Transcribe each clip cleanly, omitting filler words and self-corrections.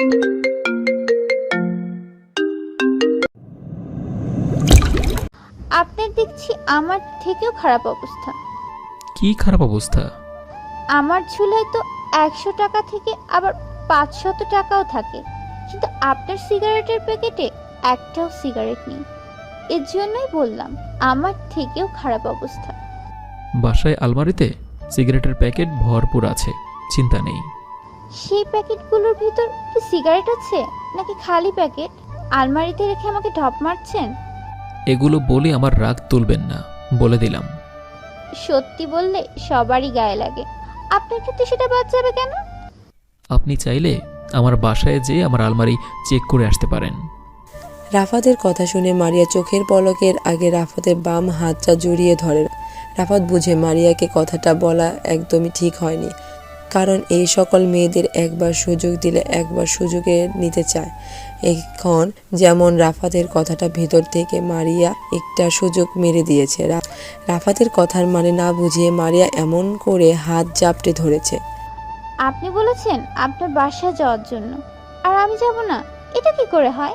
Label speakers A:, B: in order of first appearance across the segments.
A: আপনার দেখছি আমার থেকেও খারাপ অবস্থা।
B: কি খারাপ অবস্থা?
A: আমার ঝুলায় তো 100 টাকা থেকে আবার 500 টাকাও থাকে, কিন্তু আপনার সিগারেটের প্যাকেটে একটাও সিগারেট নেই। এর জন্যই বললাম আমার থেকেও খারাপ অবস্থা।
B: বাসায় আলমারিতে সিগারেটের প্যাকেট ভরপুর আছে, চিন্তা নেই।
A: সেই প্যাকেটগুলোর ভিতর কি সিগারেট আছে নাকি খালি প্যাকেট? আলমারিতে রেখে আমাকে ঢপ মারছেন?
B: এগুলো বলে আমার রাগ তুলবেন না, বলে দিলাম।
A: সত্যি বললে সবারই গায়ে লাগে, আপনার ক্ষেত্রে সেটা বাদ যাবে কেন?
B: আপনি চাইলে আমার বাসায় যেয়ে আমার আলমারি চেক করে আসতে পারেন।
C: রাফাতের কথা শুনে মারিয়া চোখের পলকের আগে রাফাতের বাম হাতটা জড়িয়ে ধরে। রাফাত বুঝে মারিয়াকে কথাটা বলা একদমই ঠিক হয়নি, কারণ এই সকল মেয়েদের একবার সুযোগ দিলে একবার সুযোগে নিতে চায়। এখন যেমন রাফাতের কথাটা ভিতর থেকে মারিয়া একটা সুযোগ মেরে দিয়েছে। রাফাতের কথার মানে না বুঝিয়ে মারিয়া এমন করে হাত জাপটে ধরেছে।
A: আপনি বলেছেন আপনার বাসায় যাওয়ার জন্য, আর আমি যাব না, এটা কি করে হয়?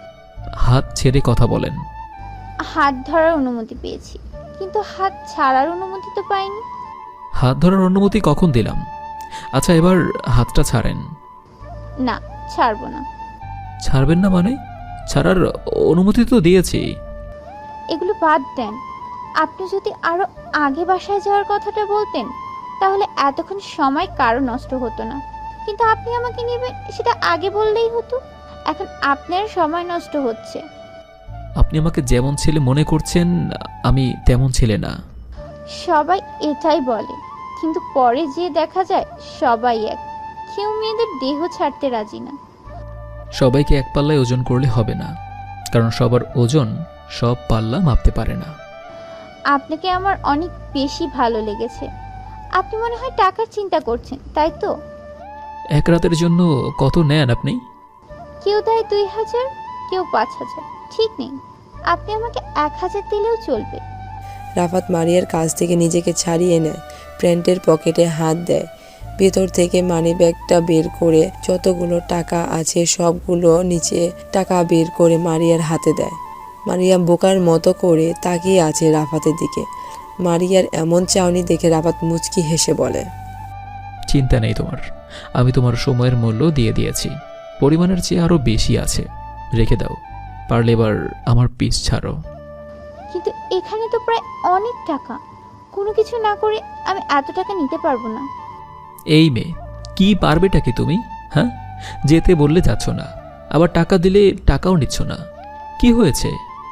B: হাত ছেড়ে কথা বলেন।
A: হাত ধরার অনুমতি পেয়েছি, কিন্তু হাত ছাড়ার অনুমতি তো পাইনি।
B: হাত ধরার অনুমতি কখন দিলাম? আচ্ছা, এবার হাতটা ছাড়েন।
A: না, ছাড়বো না।
B: ছাড়বেন না মানে? ছাড়ার অনুমতি তো দিয়েছি।
A: এগুলো বাদ দেন। আপনি যদি আরো আগে বাসায় যাওয়ার কথাটা বলতেন তাহলে এতক্ষণ সময় কারো নষ্ট হতো না, কিন্তু আপনি আমাকে নেবেন সেটা আগে বললেই হতো। এখন আপনার সময় নষ্ট হচ্ছে।
B: আপনি আমাকে যেমন ছেলে মনে করছেন, আমি তেমন ছেলে না।
A: সবাই এটাই বলে, কিন্তু পরে যে দেখা যায় সবাই এক। কেউ মেয়েদের দেহ ছাড়তে রাজি না।
B: সবাইকে এক পাল্লায় ওজন করলে হবে না, কারণ সবার ওজন সব পাল্লা মাপতে পারে না।
A: আপনাকে আমার অনেক বেশি ভালো লেগেছে। আপনি মনে হয় টাকার চিন্তা করছেন, তাই তো?
B: এক রাতের জন্য কত নেন আপনি?
A: কেউ দেয় 2000, কেউ 5000, ঠিক নেই। আপনি আমাকে 1000 দিলেও চলবে।
C: রাফাত মারিয়ার কাছ থেকে নিজেকে ছাড়িয়ে নেয়, প্যান্টের পকেটে হাত দেয়, ভেতর থেকে মানিব্যাগটা বের করে যতগুলো টাকা আছে সবগুলো নিচে টাকা বের করে মারিয়ার হাতে দেয়। মারিয়া বোকার মতো করে তাকিয়ে আছে রাফাতের দিকে। মারিয়ার এমন চাউনি দেখে রাফাত মুচকি হেসে বলে,
B: চিন্তা নেই তোমার, আমি তোমার সময়ের মূল্য দিয়ে দিয়েছি, পরিমাণের চেয়ে আরো বেশি আছে, রেখে দাও। পারলে এবার আমার পিছ ছাড়ো।
A: কিন্তু এখানে তো প্রায় অনেক টাকা, কোনো কিছু না করে আমি এত টাকা নিতে পারবো না।
B: এই মেয়ে, কি পারবেটা কি তুমি? হ্যাঁ, যেতে বললে যাচ্ছ না, আবার টাকা দিলে টাকাও নিচ্ছ না। কি হয়েছে?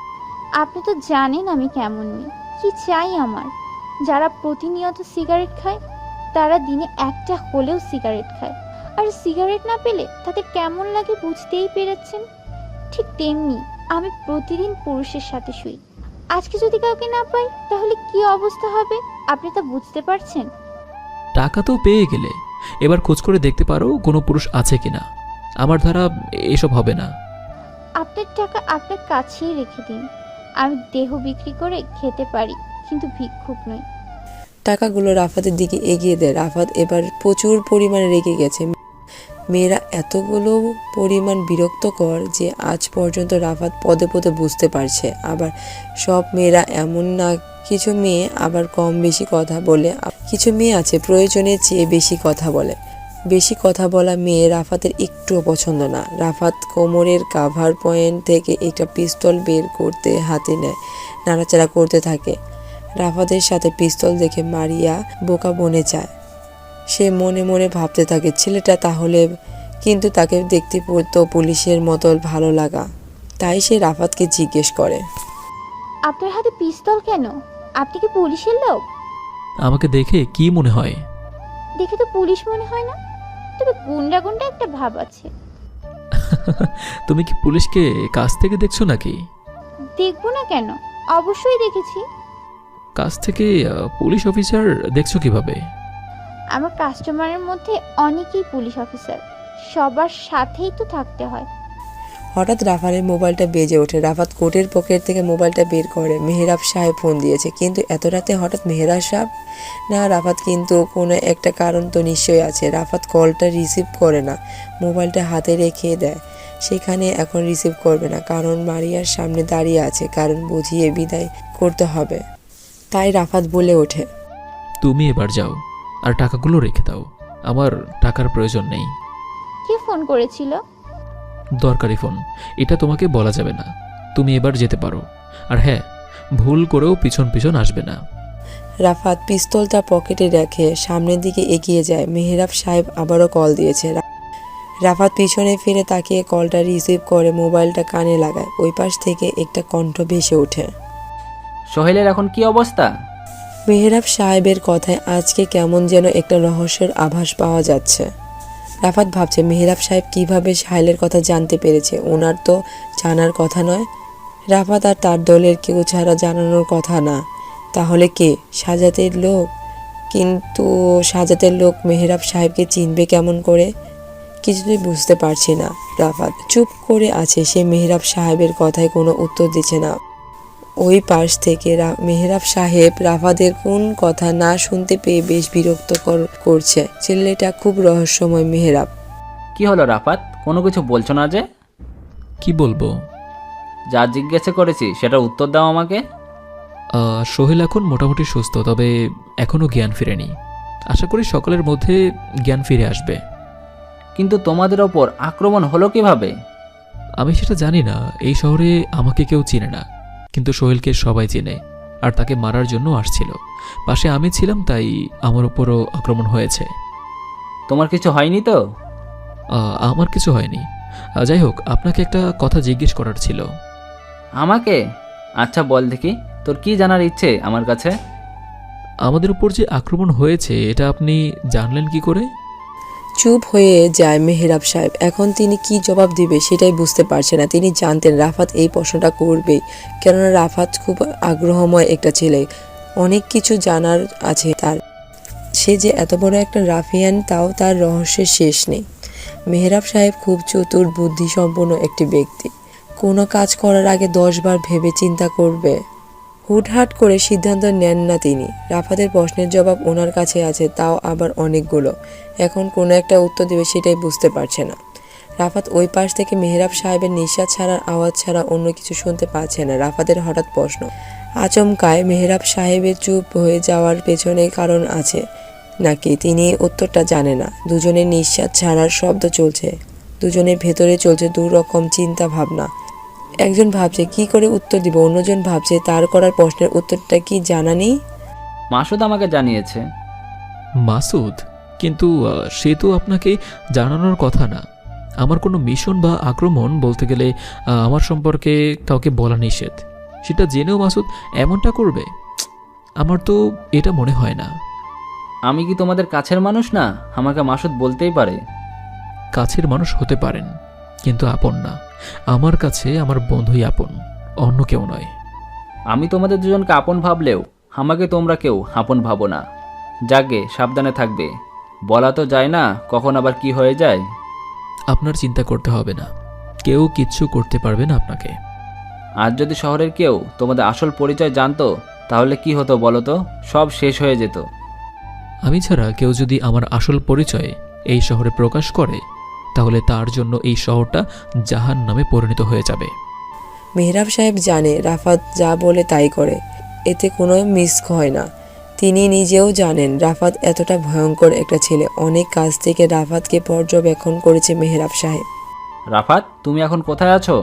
A: আপনি তো জানেন আমি কেমন মেয়ে, কি চাই আমার। যারা প্রতিনিয়ত সিগারেট খায় তারা দিনে একটা হলেও সিগারেট খায়, আর সিগারেট না পেলে তাদের কেমন লাগে বুঝতেই পেরেছেন। ঠিক তেমনি আমি প্রতিদিন পুরুষের সাথে শুই। আজকে যদি কাউকে না পাই তাহলে কি অবস্থা হবে আপনি তা বুঝতে পারছেন?
B: টাকা তো পেয়ে গেলে এবার খোঁজ করে দেখতে পারো কোনো পুরুষ আছে কিনা। আমার দ্বারা এসব হবে না।
A: আপনার টাকা আপনার কাছেই রেখে দিন। আমি দেহ বিক্রি করে খেতে পারি, কিন্তু ভিক্ষুক নই।
C: টাকাগুলো রাফাতের দিকে এগিয়ে দেয়। রাফাত এবার প্রচুর পরিমাণে রেগে গেছে। মেয়েরা এতগুলো পরিমাণ বিরক্তকর যে আজ পর্যন্ত রাফাত পদে পদে বুঝতে পারছে। আবার সব মেয়েরা এমন না, কিছু মেয়ে আবার কম বেশি কথা বলে, কিছু মেয়ে আছে প্রয়োজনের চেয়ে বেশি কথা বলে। বেশি কথা বলা মেয়ে রাফাতের একটুও পছন্দ না। রাফাত কোমরের কাভার পয়েন্ট থেকে একটা পিস্তল বের করতে হাতে নেয়, নাড়াচাড়া করতে থাকে। রাফাতের সাথে পিস্তল দেখে মারিয়া বোকা বনে যায়। সে মনে মনে ভাবতে থাকে ছেলেটা তাহলে, কিন্তু তাকে দেখতে পড়তো পুলিশের মতো ভালো লাগা। তাই সে রাফাতকে জিজ্ঞেস করে,
A: আপনার হাতে পিস্তল কেন? আপনি কি পুলিশের লোক?
B: আমাকে দেখে কি মনে হয়?
A: দেখে তো পুলিশ মনে হয় না, তবে গুন্ডা গুন্ডা একটা ভাব আছে।
B: তুমি কি পুলিশকে কাছ থেকে দেখছো নাকি?
A: দেখবো না কেন, অবশ্যই দেখেছি।
B: কাছ থেকে পুলিশ অফিসার দেখছো কিভাবে?
A: আমার কাস্টমারের মধ্যে অনেকেই পুলিশ অফিসার, সবার সাথেই তো থাকতে হয়।
C: হঠাৎ রাফাতের মোবাইলটা বেজে ওঠে। রাফাত কোটের পকেট থেকে মোবাইলটা বের করে। মেহরাব সাহেব ফোন দিয়েছে, কিন্তু এত রাতে হঠাৎ মেহরাব সাহেব না রাফাত, কিন্তু কোনো একটা কারণ তো নিশ্চয়ই আছে। রাফাত কলটা রিসিভ করে না, মোবাইলটা হাতে রেখে দেয়। সেখানে এখন রিসিভ করবে না, কারণ মারিয়ার সামনে দাঁড়িয়ে আছে, কারণ বুঝিয়ে বিদায় করতে হবে। তাই রাফাত বলে ওঠে,
B: তুমি এবার যাও আর টাকাগুলো রেখে দাও, আমার টাকার প্রয়োজন নেই।
A: কে ফোন করেছিল?
B: দরকারি ফোন, এটা তোমাকে বলা যাবে না। তুমি এবার যেতে পারো। আর হ্যাঁ, ভুল করেও পিছন পিছন আসবে না।
C: রাফাত পিস্তলটা পকেটে রেখে সামনের দিকে এগিয়ে যায়। মেহরাব সাহেব আবারও কল দিয়েছে। রাফাত পিছনে ফিরে তাকিয়ে কলটা রিসিভ করে মোবাইলটা কানে লাগায়। ওই পাশ থেকে একটা কণ্ঠ ভেসে ওঠে।
D: সোহেলের এখন কি অবস্থা?
C: মেহরাব সাহেবের কথায় আজকে কেমন যেন একটা রহস্যের আভাস পাওয়া যাচ্ছে। রাফাত ভাবছে, মেহরাব সাহেব কিভাবে সাহেলের কথা জানতে পেরেছে? ওনার তো জানার কথা নয়। রাফাত আর তার দলের কেউ ছাড়া জানানোর কথা না। তাহলে কে? সাজাতের লোক। কিন্তু সাজাতের লোক মেহরাব সাহেবকে চিনবে কেমন করে? কিছুতেই বুঝতে পারছি না। রাফাত চুপ করে আছে। সে মেহরাব সাহেবের কথায় কোনো উত্তর দিচ্ছে না। ওই পাশ থেকে মেহরাব সাহেব রাফাতের কোন কথা না শুনতে পেয়ে বেশ বিরক্ত করছে। ছেলেটা খুব রহস্যময়। মেহরাব,
D: কি হলো রাফাত, কোনো কিছু বলছো না যে?
B: কি বলবো?
D: যা জিজ্ঞাসা করেছি সেটার উত্তর দাও আমাকে।
B: সোহেল এখন মোটামুটি সুস্থ, তবে এখনও জ্ঞান ফিরেনি। আশা করি সকালের মধ্যে জ্ঞান ফিরে আসবে।
D: কিন্তু তোমাদের ওপর আক্রমণ হলো কিভাবে?
B: আমি সেটা জানি না। এই শহরে আমাকে কেউ চিনে না, কিন্তু সোহেলকে সবাই চেনে, আর তাকে মারার জন্য আসছিল। পাশে আমি ছিলাম, তাই আমার উপরও আক্রমণ হয়েছে।
D: তোমার কিছু হয়নি তো?
B: আমার কিছু হয়নি। যাই হোক, আপনাকে একটা কথা জিজ্ঞেস করার ছিল।
D: আমাকে? আচ্ছা বল দেখি, তোর কি জানার ইচ্ছে আমার কাছে?
B: আমাদের উপর যে আক্রমণ হয়েছে এটা আপনি জানলেন কি করে?
C: চুপ হয়ে যায় মেহরাব সাহেব। এখন তিনি কি জবাব দিবে সেটাই বুঝতে পারছে না। তিনি জানতেন রাফাত এই প্রশ্নটা করবেই, কেননা রাফাত খুব আগ্রহময় একটা ছেলে। অনেক কিছু জানার আছে তার। সে যে এত বড় একটা রাফিয়ান, তাও তার রহস্যের শেষ নেই। মেহরাব সাহেব খুব চতুর বুদ্ধিসম্পন্ন একটি ব্যক্তি। কোনো কাজ করার আগে 10 বার ভেবে চিন্তা করবে। হুটহাট করে সিদ্ধান্ত নেন না তিনি। রাফাতের প্রশ্নের জবাব ওনার কাছে আছে, তাও আবার অনেকগুলো। এখন কোনো একটা উত্তর দেবে সেটাই বুঝতে পারছে না। রাফাত ওই পাশ থেকে মেহরাব সাহেবের নিঃশ্বাস ছাড়ার আওয়াজ ছাড়া অন্য কিছু শুনতে পাচ্ছে না। রাফাতের হঠাৎ প্রশ্ন। আচমকায় মেহরাব সাহেবের চুপ হয়ে যাওয়ার পেছনে কারণ আছে নাকি তিনি উত্তরটা জানে না। দুজনের নিঃশ্বাস ছাড়ার শব্দ চলছে, দুজনের ভেতরে চলছে দু রকম চিন্তা ভাবনা। একজন ভাবছে কি করে উত্তর দিব, অন্যজন ভাবছে তার করার প্রশ্নের উত্তরটা কি জানা নেই।
D: মাসুদ আমাকে জানিয়েছে।
B: মাসুদ? কিন্তু সে তো আপনাকে জানানোর কথা না। আমার কোনো মিশন বা আক্রমণ বলতে গেলে আমার সম্পর্কে কাউকে বলা নিষেধ। সেটা জেনেও মাসুদ এমনটা করবে? আমার তো এটা মনে হয় না।
D: আমি কি তোমাদের কাছের মানুষ না? আমাকে মাসুদ বলতেই পারে।
B: কাছের মানুষ হতে পারেন, কিন্তু আপন না। আমার কাছে আমার বন্ধুই আপন, অন্য কেউ নয়।
D: আমি তোমাদের দুজনকে আপন ভাবলেও আমাকে তোমরা কেউ আপন ভাবো না। যাকে সাবধানে থাকবে। বলা তো যায় না কখন আবার কি হয়ে যায়।
B: আপনার চিন্তা করতে হবে না, কেউ কিচ্ছু করতে পারবে না আপনাকে।
D: আজ যদি শহরের কেউ তোমাদের আসল পরিচয় জানতো তাহলে কি হতো বলো তো? সব শেষ হয়ে যেত।
B: আমি ছাড়া কেউ যদি আমার আসল পরিচয় এই শহরে প্রকাশ করে, তাহলে তার জন্য এই শহরটা জাহান্নামে পরিণত হয়ে যাবে।
C: মেহরাব সাহেব জানে রাফাত যা বলে তাই করে, এতে কোনো মিস হয় না। তিনি নিজেও জানেন রাফাত এতটা ভয়ঙ্কর একটা ছেলে। অনেক কাছ থেকে রাফাতকে পর্যবেক্ষণ করেছে মেহরাব সাহেব।
D: রাফাত, তুমি এখন কোথায় আছো?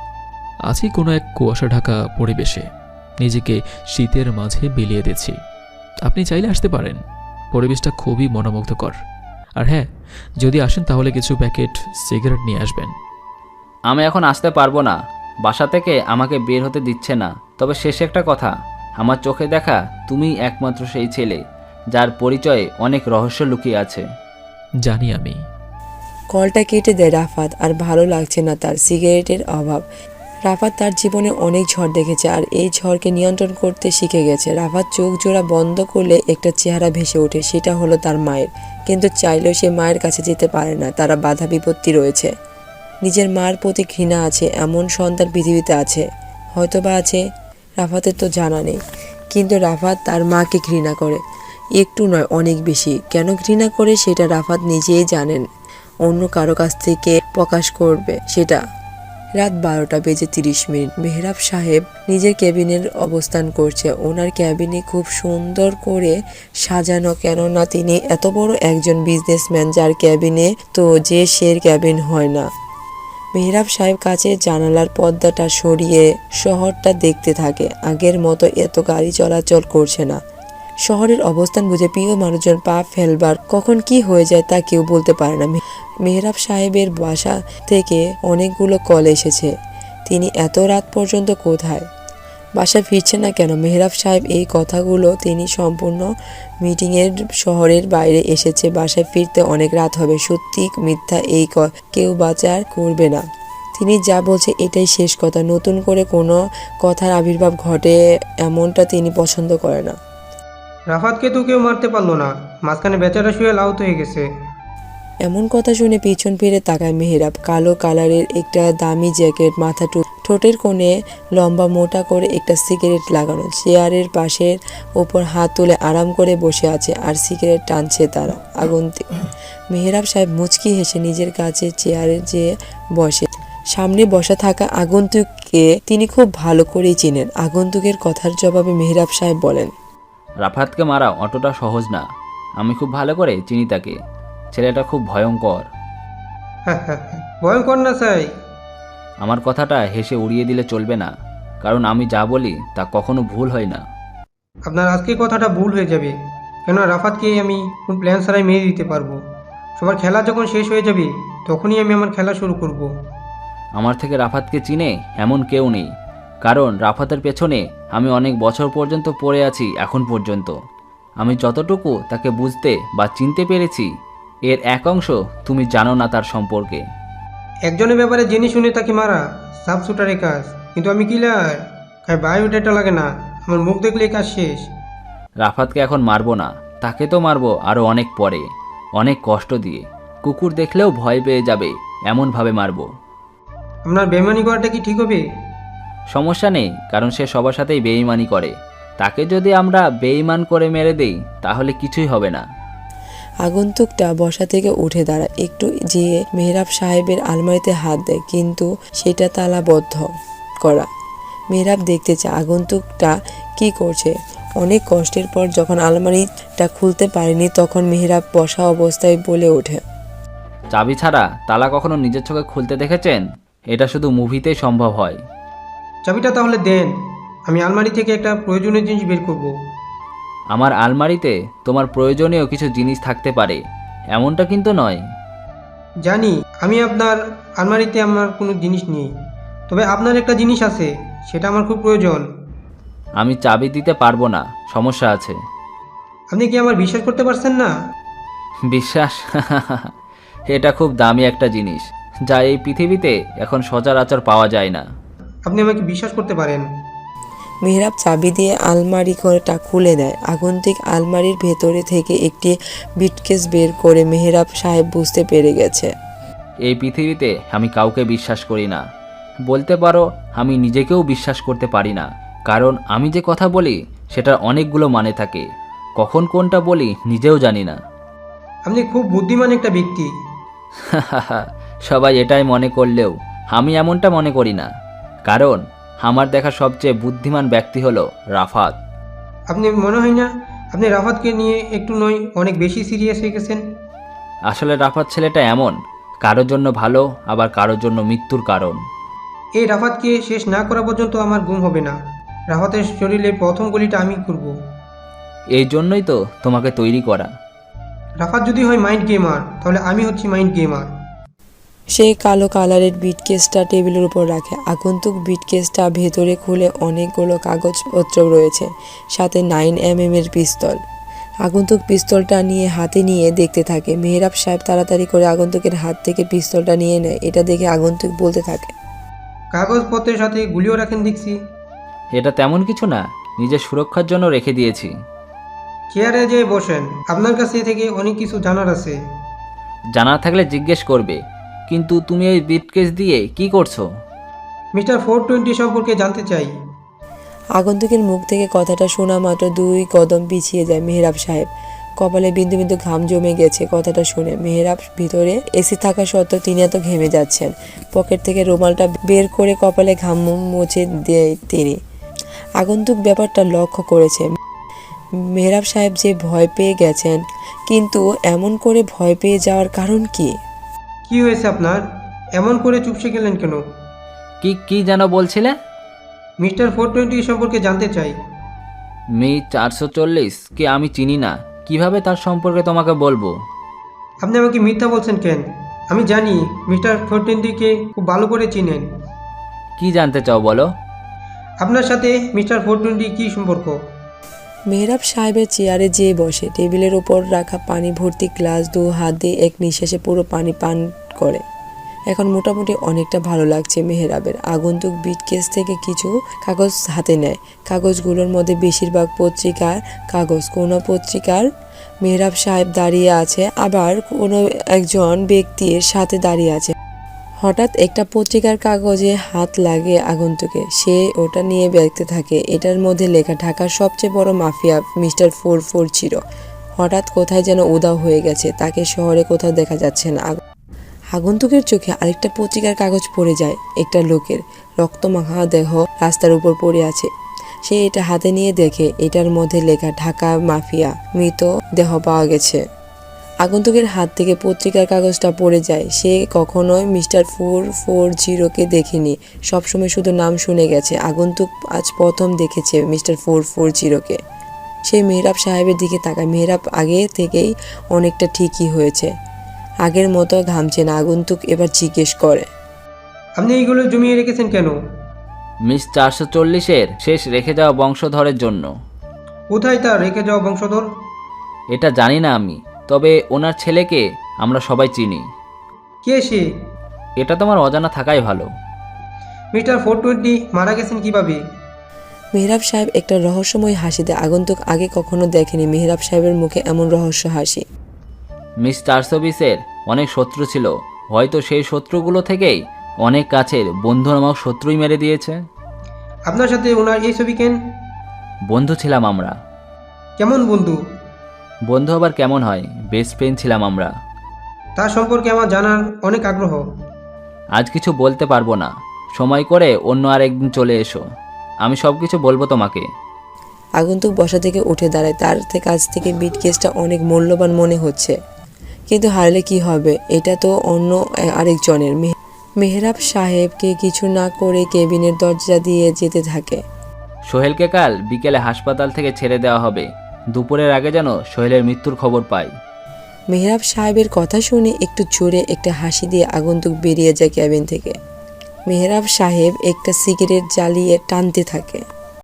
B: আছি কোনো এক কুয়াশা ঢাকা পরিবেশে, নিজেকে শীতের মাঝে বিলিয়ে দিচ্ছি। আপনি চাইলে আসতে পারেন, পরিবেশটা খুবই মনোমুগ্ধকর। আর হ্যাঁ, যদি আসেন তাহলে কিছু প্যাকেট সিগারেট নিয়ে আসবেন।
D: আমি এখন আসতে পারবো না, বাসা থেকে আমাকে বের হতে দিচ্ছে না। তবে শেষে একটা কথা, আমার চোখে দেখা তুমিই একমাত্র সেই ছেলে যার পরিচয়ে অনেক রহস্য লুকিয়ে আছে।
B: জানি আমি।
C: কলটা কেটে দেয় রাফাত। আর ভালো লাগছে না তার, সিগারেটের অভাব। রাফাত তার জীবনে অনেক ঝড় দেখেছে, আর এই ঝড়কে নিয়ন্ত্রণ করতে শিখে গেছে। রাফাত চোখ জোড়া বন্ধ করলে একটা চেহারা ভেসে ওঠে, সেটা হলো তার মায়ের। কিন্তু চাইলেও সে মায়ের কাছে যেতে পারে না, তারা বাধা বিপত্তি রয়েছে। নিজের মার প্রতি ঘৃণা আছে এমন সন্তান পৃথিবীতে আছে, হয়তোবা আছে, রাফাতের তো জানা নেই। কিন্তু রাফাত তার মাকে ঘৃণা করে, একটু নয় অনেক বেশি। কেন ঘৃণা করে সেটা রাফাত নিজেই জানেন, অন্য কারো কাছ থেকে প্রকাশ করবে সেটা। রাত 12:30। মেহরাব সাহেব নিজের ক্যাবিনের অবস্থান করছে। ওনার ক্যাবিনে খুব সুন্দর করে সাজানো, কেননা তিনি এত বড় একজন বিজনেসম্যান যার ক্যাবিনে তো যে সের ক্যাবিন হয় না। মেহরাব সাহেব কাছে জানালার পর্দাটা সরিয়ে শহরটা দেখতে থাকে। আগের মতো এত গাড়ি চলাচল করছে না। শহরের অবস্থান বুঝে প্রিয় মানুষজন পা ফেলবার কখন কি হয়ে যায় তা কেউ বলতে পারে না। মেহরাব সাহেবের বাসা থেকে অনেকগুলো কল এসেছে। তিনি এত রাত পর্যন্ত কোথায়, বাসায় ফিরছে না কেন? মেহরাব সাহেব এই কথাগুলো তিনি সম্পূর্ণ মিটিংয়ের শহরের বাইরে এসেছে, বাসায় ফিরতে অনেক রাত হবে। সত্যি মিথ্যা এই কেউ বাঁচার করবে না। তিনি যা বলছে এটাই শেষ কথা, নতুন করে কোনো কথার আবির্ভাব ঘটে এমনটা তিনি পছন্দ করে না।
E: রাফাতকে তো কেউ মারতে পারলো না, মাঝখানে বেচারা শুয়ে আহত হয়ে গেছে।
C: এমন কথা শুনে পিছন ফিরে তাকায় মেহরাব। কালো কালারের একটা দামি জ্যাকেট, মাথা ঠোঁটের কোণে লম্বা মোটা করে একটা সিগারেট লাগানো, চেয়ারের পাশের ওপর হাত তুলে আরাম করে বসে আছে আর সিগারেট টানছে তারা আগন্তুক। মেহরাব সাহেব মুচকি হেসে নিজের কাছে চেয়ারে যেয়ে বসে। সামনে বসা থাকা আগন্তুককে তিনি খুব ভালো করেই চিনেন। আগন্তুকের কথার জবাবে মেহরাব সাহেব বলেন,
D: রাফাতকে মারা অতটা সহজ না। আমি খুব ভালো করে চিনি তাকে। ছেলেটা খুব ভয়ঙ্কর।
E: ভয়ঙ্কর না চাই।
D: আমার কথাটা হেসে উড়িয়ে দিলে চলবে না, কারণ আমি যা বলি তা কখনো ভুল হয় না।
E: আপনার আজকে কথাটা ভুল হয়ে যাবে, কেন রাফাতকে আমি কোন প্ল্যান ছাড়াই মেরে দিতে পারবো। সবার খেলা যখন শেষ হয়ে যাবে তখনই আমি আমার খেলা শুরু করব।
D: আমার থেকে রাফাতকে চিনে এমন কেউ নেই, কারণ রাফাতের পেছনে আমি অনেক বছর পর্যন্ত পড়ে আছি। এখন পর্যন্ত আমি যতটুকু তাকে বুঝতে বা চিনতে পেরেছি, এর এক অংশ তুমি জানো না তার সম্পর্কে।
E: একজনের ব্যাপারে জেনে শুনে তাকে মারা সাব শুটারের কাজ, কিন্তু আমি কিলার, বায়োডাটা লাগে না, আমার মুখ দেখলে কাজ শেষ।
D: রাফাতকে এখন মারবো না, তাকে তো মারবো আরও অনেক পরে, অনেক কষ্ট দিয়ে। কুকুর দেখলেও ভয় পেয়ে যাবে এমনভাবে মারবো।
E: আপনার বেমানি করাটা কি ঠিক হবে?
D: সমস্যা নেই, কারণ সে সবার সাথেই বেঈমানি করে। তাকে যদি আমরা বেঈমান করে মেরে দেই তাহলে কিছুই হবে না।
C: আগন্তুকটা বসা থেকে উঠে দাঁড়ায়, একটু যেয়ে মেহরাব সাহেবের আলমারিতে হাত দেয়, কিন্তু সেটা তালাবদ্ধ করা। মেহরাব দেখতে চায় আগন্তুকটা কি করছে। অনেক কষ্টের পর যখন আলমারিটা খুলতে পারেনি তখন মেহরাব বসা অবস্থায় বলে ওঠে,
D: চাবি ছাড়া তালা কখনো নিজের চোখে খুলতে দেখেছেন? এটা শুধু মুভিতেই সম্ভব হয়।
E: চাবিটা তাহলে দেন, আমি আলমারি থেকে একটা প্রয়োজনীয় জিনিস বের করব।
D: আমার আলমারিতে তোমার প্রয়োজনীয় কিছু জিনিস থাকতে পারে, এমনটা কিন্তু নয়।
E: জানি আমি আপনার আলমারিতে আমার কোনো জিনিস নেই, তবে আপনার একটা জিনিস আছে, সেটা আমার খুব প্রয়োজন।
D: আমি চাবি দিতে পারবো না, সমস্যা আছে।
E: আপনি কি আমার বিশ্বাস করতে পারছেন না?
D: বিশ্বাস? এটা খুব দামি একটা জিনিস, যা এই পৃথিবীতে এখন সচরাচর পাওয়া যায় না।
E: আপনি আমাকে বিশ্বাস করতে পারেন।
C: মেহরাব চাবি দিয়ে আলমারি ঘরটা খুলে দেয়। আগন্তুক আলমারির ভেতরে থেকে একটি বিটকেস বের করে মেহরাব সাহেব বুঝতে পেরে গেছে।
D: এই পৃথিবীতে আমি কাউকে বিশ্বাস করি না, বলতে পারো আমি নিজেকেও বিশ্বাস করতে পারি না, কারণ আমি যে কথা বলি সেটার অনেকগুলো মানে থাকে। কখন কোনটা বলি নিজেও জানি না।
E: আপনি খুব বুদ্ধিমান একটা ব্যক্তি।
D: সবাই এটাই মনে করলেও আমি এমনটা মনে করি না, কারণ আমার দেখা সবচেয়ে বুদ্ধিমান ব্যক্তি হলো রাফাত।
E: আপনি মনে হয় না আপনি রাফাতকে নিয়ে একটু নয় অনেক বেশি সিরিয়াস হয়ে গেছেন?
D: আসলে রাফাত ছেলেটা এমন, কারোর জন্য ভালো আবার কারোর জন্য মৃত্যুর কারণ।
E: এই রাফাতকে শেষ না করা পর্যন্ত আমার ঘুম হবে না। রাফাতের শরীরে প্রথম গুলিটা আমি করব।
D: এই জন্যই তো তোমাকে তৈরি করা।
E: রাফাত যদি হয় মাইন্ড গেমার, তাহলে আমি হচ্ছি মাইন্ড গেমার।
C: সে কালো কালারের বিটকেসটা টেবিলের উপর রাখে। আগন্তুক বিটকেসটা ভেতরে খুলে অনেকগুলো কাগজপত্র রয়েছে, সাথে 9mm এর পিস্তল। আগন্তুক পিস্তলটা হাতে নিয়ে দেখতে থাকে। মেহরাব সাহেব তাড়াতাড়ি করে আগন্তুকের হাত থেকে পিস্তলটা নিয়ে নেয়। এটা দেখে আগন্তুক বলতে থাকে,
E: কাগজপত্রের সাথে গুলিও রাখেন দেখছি।
D: এটা তেমন কিছু না, নিজের সুরক্ষার জন্য রেখে দিয়েছি।
E: চেয়ারে যেয়ে বসেন, আপনার কাছে থেকে অনেক কিছু জানার আছে।
D: জানা থাকলে জিজ্ঞেস করবে। কিন্তু তুমি এই ব্রিফকেস দিয়ে কি করছো?
E: মিস্টার 420 সম্পর্কে জানতে চাই।
C: আগন্তুকের মুখ থেকে কথাটা শোনা মাত্র 2 কদম পিছিয়ে যায় মেহরাব সাহেব। কপালে বিন্দু বিন্দু ঘাম জমে গেছে কথাটা শুনে। মেহরাব ভিতরে এসি থাকা সত্ত্বেও তিনি এত ঘেমে যাচ্ছেন। পকেট থেকে রুমালটা বের করে কপালে ঘাম মুছে দেয় তিনি। আগন্তুক ব্যাপারটা লক্ষ্য করেছে। মেহরাব সাহেব যে ভয় পেয়ে গেছেন, কিন্তু এমন করে ভয় পেয়ে যাওয়ার কারণ কি?
E: কি হয়েছে আপনার? এমন করে চুপসে গেলেন কেন?
D: কি কি যেন বলছিলে?
E: মিস্টার 420 সম্পর্কে জানতে চাই।
D: মি 440 কি আমি চিনি না, কিভাবে তার সম্পর্কে তোমাকে বলবো?
E: আপনি আমাকে মিথ্যা বলছেন কেন? আমি জানি মিস্টার 420কে খুব ভালো করে চিনেন।
D: কি জানতে চাও বলো?
E: আপনার সাথে মিস্টার 420 কী সম্পর্ক?
C: মেহরাব সাহেবের চেয়ারে যেয়ে বসে। টেবিলের ওপর রাখা পানি ভর্তি গ্লাস 2 হাত দিয়ে এক নিঃশ্বাসে পুরো পানি পান করে। এখন মোটামুটি অনেকটা ভালো লাগছে মেহরাবের। আগন্তুক ব্রিফকেস থেকে কিছু কাগজ হাতে নেয়। কাগজগুলোর মধ্যে বেশিরভাগ পত্রিকার কাগজ। কোনো পত্রিকার মেহরাব সাহেব দাঁড়িয়ে আছে, আবার কোনো একজন ব্যক্তির সাথে দাঁড়িয়ে আছে। হঠাৎ একটা পত্রিকার কাগজে হাত লাগে আগন্তুকে। সে ওটা নিয়ে দেখতে থাকে। এটার মধ্যে লেখা ঢাকার সবচেয়ে বড় মাফিয়া মিস্টার 440 হঠাৎ কোথায় যেন উধাও হয়ে গেছে। তাকে শহরে কোথাও দেখা যাচ্ছে না। আগন্তুকের চোখে আরেকটা পত্রিকার কাগজ পড়ে যায়। একটা লোকের রক্তমাখা দেহ রাস্তার উপর পড়ে আছে। সে এটা হাতে নিয়ে দেখে এটার মধ্যে লেখা ঢাকা মাফিয়া মৃত দেহ পাওয়া গেছে। আগন্তুকের হাত থেকে পত্রিকার কাগজটা পড়ে যায়। সে কখনোই মিস্টার 440কে দেখেনি, সবসময় শুধু নাম শুনে গেছে। আগন্তুক আজ প্রথম দেখেছে মিস্টার 440কে। সে মেহরাব সাহেবের দিকে তাকায়। মেহরাব আগে থেকেই অনেকটা ঠিকই হয়েছে, আগের মতো ঘামছে না। আগন্তুক এবার জিজ্ঞেস করে,
E: আপনি এইগুলো জমিয়ে রেখেছেন কেন?
D: মিস 440-এর শেষ রেখে যাওয়া বংশধরের জন্য।
E: কোথায় তার রেখে যাওয়া বংশধর?
D: এটা জানি না আমি, তবে ওনার ছেলেকে আমরা সবাই চিনি।
E: কে সে?
D: এটা তোমার অজানা থাকাই ভালো।
E: মিস্টার 420 মারা গেছেন কিভাবে?
C: মেহরাব সাহেব একটা রহস্যময় হাসি দেয়। আগন্তুক আগে কখনো দেখেনি মেহরাব সাহেবের মুখে এমন রহস্য হাসি।
D: মিস 420-এর অনেক শত্রু ছিল, হয়তো সেই শত্রুগুলো থেকেই অনেক কাছের বন্ধু নামক শত্রুই মেরে দিয়েছে।
E: আপনার সাথে ওনার এই ছবি কেন?
D: বন্ধু ছিলাম আমরা।
E: কেমন বন্ধু?
D: বন্ধু আবার কেমন হয়, বেস্ট ফ্রেন্ড ছিলাম আমরা।
E: তার সম্পর্কে আমার জানার অনেক আগ্রহ।
D: আজ কিছু বলতে পারবো না, সময় করে অন্য আর একদিন চলে এসো, আমি সব কিছু বলবো তোমাকে।
C: আগন্তুক বসা থেকে উঠে দাঁড়ায়। তার কাছ থেকে ব্রিফকেসটা অনেক মূল্যবান মনে হচ্ছে, কিন্তু হারলে কি হবে, এটা তো অন্য আরেকজনের। মেহরাব সাহেবকে কিছু না করে কেবিনের দরজা দিয়ে যেতে থাকে।
D: সোহেলকে কাল বিকেলে হাসপাতাল থেকে ছেড়ে দেওয়া হবে। দুপুরের আগে যেন সোহেলের মৃত্যুর খবর পাই।
C: মেহরাব সাহেবের কথা শুনে একটু জোরে একটা হাসি দিয়ে আগন্তুক বেরিয়ে যায় কেবিন থেকে। মেহরাব সাহেব একটা সিগারেট জ্বালিয়ে টানতে থাকে।